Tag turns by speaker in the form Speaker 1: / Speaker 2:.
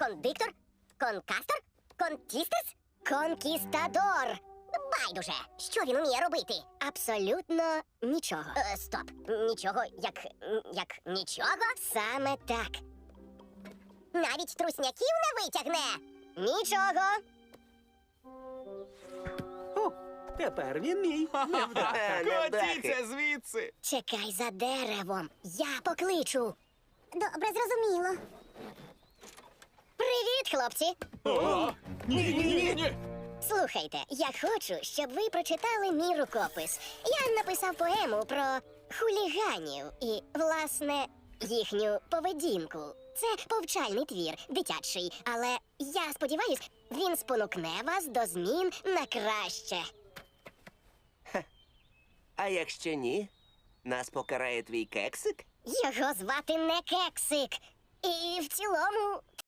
Speaker 1: Кондиктор? Конкастор? Контістес? Конкістадор. Байдуже, що він уміє робити? Абсолютно нічого. Стоп. Нічого, як нічого? Саме так. Навіть трусняків не витягне. Нічого.
Speaker 2: О, тепер він мій.
Speaker 3: Котіться звідси!
Speaker 1: Чекай за деревом. Я покличу. Добре, зрозуміло. Привіт, хлопці.
Speaker 3: Ні!
Speaker 1: Слухайте, я хочу, щоб ви прочитали мій рукопис. Я написав поему про хуліганів і, власне, їхню поведінку. Це повчальний твір, дитячий, але я сподіваюсь, він спонукне вас до змін на краще.
Speaker 4: А якщо ні, нас покарає твій кексик?
Speaker 1: Його звати не Кексик. І в цілому